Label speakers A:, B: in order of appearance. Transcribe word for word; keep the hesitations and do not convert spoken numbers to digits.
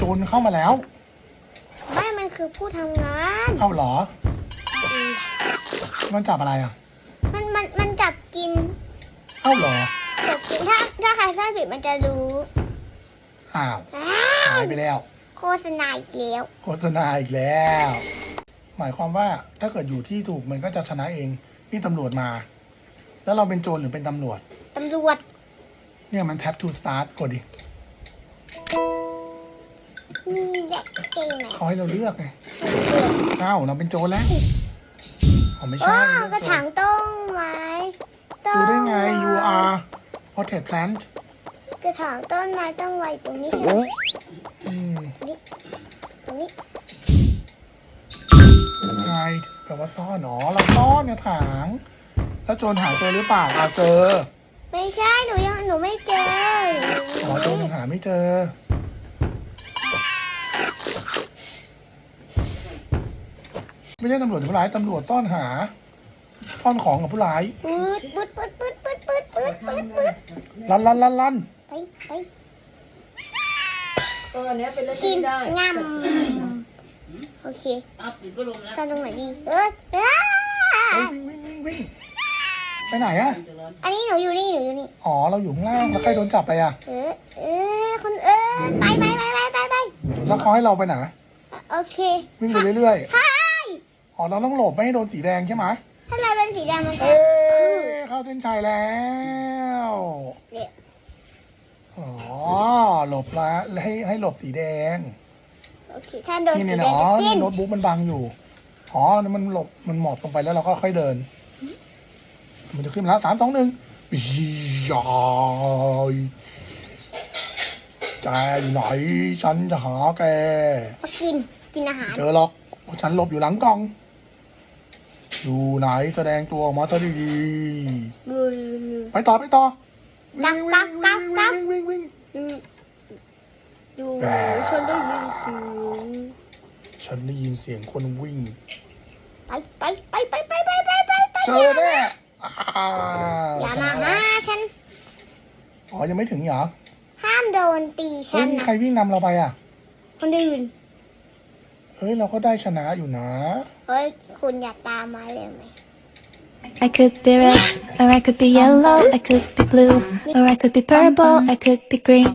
A: โจรเข้ามาแล้ว
B: ไม่มันคือผู้ทำงาน
A: เอ้าเหรอมันจับอะไรอ่ะ
B: มันมันมันจับกิน
A: เอ้าเหรอ
B: จับกินถ้าถ้าใครสร้างผิดมันจะรู้
A: อ้าวหายไปแล้ว
B: โฆษณาอีกแล้ว
A: โฆษณาอีกแล้วหมายความว่าถ้าเกิดอยู่ที่ถูกมันก็จะชนะเองนี่ตำรวจมาแล้วเราเป็นโจรหรือเป็นตำรวจ
B: ตำรวจ
A: เนี่ยมัน tap to start กดดิ
B: มีเด็กเก่งไหม
A: ขอให้เราเลือกไงอ้าวเราเป็นโจรแล้วอ๋อไม่ใช่
B: กระถางต้นไม้
A: ดูได้ไง you are potted plant
B: กระถางต้นไม้ต้องไว้ตรงนี้ใช่ไหม
A: อืม
B: นี่ตรงนี้
A: hide แปลว่าซ่อนอ๋อเราซ่อนเนี่ยถางแล้วโจรหาเจอหรือเปล่าเราเจอ
B: ไม่ใช่หนูยังหนูไม่เจอ
A: อ๋อโจรยังหาไม่เจอไม่ใช่ตำรวจผู้ร้ายตำรวจซ่อนหาซ่อนของกับผู้ร้าย
B: ปืดปืดปืดปืดปืดปืดปืดปืดปืด
A: ลันลันลันลัน
B: ไปไป
C: ตัวนี้เป็นเล่น
B: กิน
C: ได้
B: งำโอเคสร้างตรงไหนดีเออเออ
A: วิ่งวิ่งวิ่งวิ่งไปไหนอะ
B: อันนี้หนูอยู่นี่หนูอยู่นี่
A: อ๋อเราอยู่ข้างล่างแล้วใครโดนจับไปอะ
B: เออเออคนเออไปไปไปไปไปไป
A: แล้วเขาให้เราไปไหน
B: โอเค
A: วิ่งไปเรื่อยๆอ๋อเราต้องหลบไม่ให้โดนสีแดงใช่ไหม
B: ถ้าเราเป็นสีแดงมันจะ
A: เข้าเส้นชัยแล้วอ๋อหลบละให้ให้หลบสีแดง
B: โอเคถ้าโดนสีแดงจะกิน
A: โน้ตบุ๊กมันบังอยู่อ๋อมันหลบมันหมอบลงไปแล้วเราก็ค่อยเดินมันจะขึ้นแล้วสามสองหนึ่งยายใจไหนฉันจะหาแก
B: มากินกินอาหาร
A: เจอหรอกฉันหลบอยู่หลังกล่องอยู่ไหนแสดงตัวออกมาซะดีๆไปต่อไปต่อ
B: กักกักกักกัก
A: วิ่งวิ่ง
B: ดูฉันได้ยินเสียง
A: ฉันได้ยินเสียงคนวิ่ง
B: ไปไปไปไปไปไปไปไปไป
A: เจอแน่
B: อย่ามาหาฉัน
A: อ๋อยังไม่ถึงเหรอ
B: ห้ามโดนตีฉัน
A: เฮ้ยมีใครวิ่งนำเราไปอ่ะ
B: คนอื่น
A: เฮ้ยเราก็ได้ชนะอยู่นะ
B: เฮ้ยคุณอยากตามมาเลยไหม
D: I could be red or I could be yellow I could be blue or I could be purple I could be green